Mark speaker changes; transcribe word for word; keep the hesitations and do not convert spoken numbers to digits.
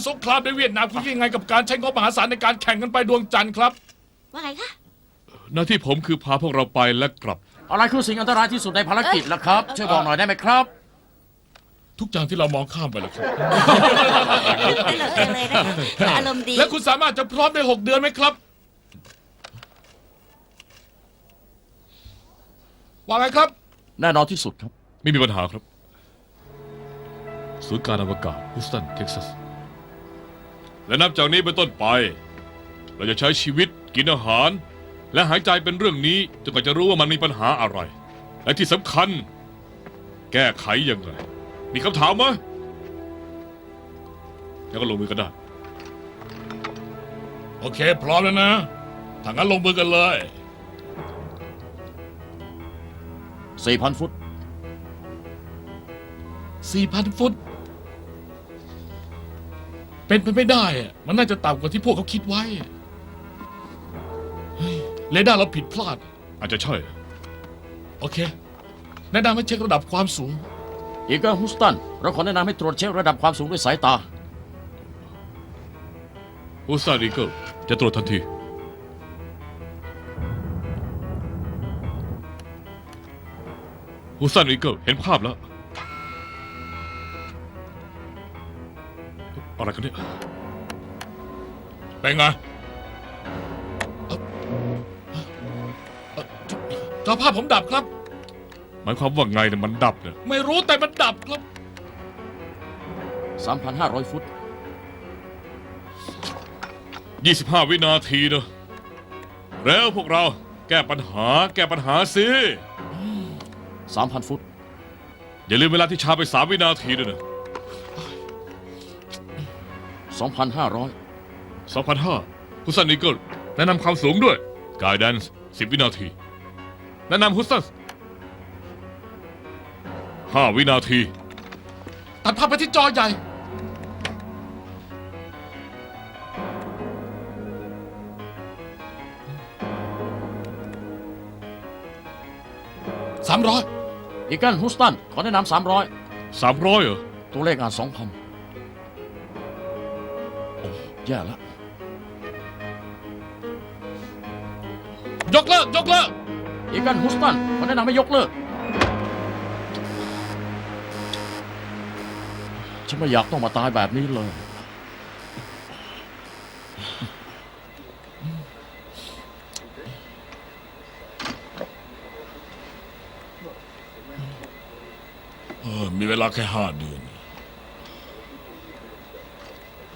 Speaker 1: สงครามในเวียดนามคิดยังไงกับการใช้งบมหาศาลในการแข่งกันไปดวงจันทร์ครับ
Speaker 2: ว่าไงคะ
Speaker 3: หน้าที่ผมคือพาพวกเราไปและกลับ
Speaker 4: อะไรคือสิ่งอันตรายที่สุดในภารกิจล่ะครับ ช่วยบอกหน่อยได้ไหมครับ
Speaker 1: ทุกอย่างที่เรามองข้ามไปแล้วครับ
Speaker 2: ตลกจังเลยนะคะอารมณ์ดี
Speaker 1: และคุณสามารถจะพร้อมในหกเดือนไหมครับ ว่าไงครับ
Speaker 4: แน่นอนที่สุดครับ
Speaker 3: ไม่มีปัญหาครับศูนย์การอวกาศฮูสตันเท็กซัสและนับจากนี้เป็นต้นไป เราจะใช้ชีวิตกินอาหาร และหายใจเป็นเรื่องนี้จนกว่าจะรู้ว่ามันมีปัญหาอะไร และที่สำคัญ แก้ไขยังไงมีคำถามไหมแล้วก็ลงมือกันได้
Speaker 1: โอเค พร้อมแล้วนะถ้างั้นลงมือกันเลย
Speaker 4: สี่พัน ฟุต
Speaker 1: สี่พัน ฟุต เป็นไปไม่ได้อะมันน่าจะต่ำกว่าที่พวกเขาคิดไว้เฮ้ยเรดาร์เราผิดพลาด
Speaker 3: อาจจะใช่
Speaker 1: โอเค แนะนำให้เช็คระดับความสูง
Speaker 4: อีเกิลฮูสตัน เราขอแนะนำให้ตรวจเช็คระดับความสูงด้วยสายตา
Speaker 3: ฮูสตันอีเกิลจะตรวจทันทีฮูสตันอีเกิลเห็นภาพแล้วอะไรกันเนี่ย
Speaker 1: เป็นไงเอ่อเอ่อจอภาพผมดับครับ
Speaker 3: หมายความว่าไงเนี่ยมันดับเนี่ย
Speaker 1: ไม่รู้แต่มันดับครับ
Speaker 4: สามพันห้าร้อย ฟุต
Speaker 3: ยี่สิบห้า วินาทีเนอะแล้วพวกเราแก้ปัญหาแก้ปัญหาสิ
Speaker 4: สามพัน ฟุต
Speaker 3: อย่าลืมเวลาที่ช้าไปสามวินาทีด้วยนะ
Speaker 4: สองพันห้าร้อย
Speaker 3: สองพันห้าฮุสตันอีเกิลแนะนำความสูงด้วยกายแดนซ์สิบวินาที แนะนำฮุสตันห้าวินาที
Speaker 1: ตัดภาพไปที่จอใหญ่ สามร้อย
Speaker 4: อีเกิลฮูสตัน ขอแนะนำสามร้อย
Speaker 3: สามร้อยเหรอ
Speaker 4: ตัวเลขอ่านสองพันโอ้แย่แล้ว
Speaker 1: ยกเลิก ยกเลิก
Speaker 4: อีเกิลฮูสตัน ขอแนะนำให้ยกเลิก ฉันไม่อยากต้องมาตายแบบนี้เลย
Speaker 1: เออ มีเวลาแค่ห้าเดือน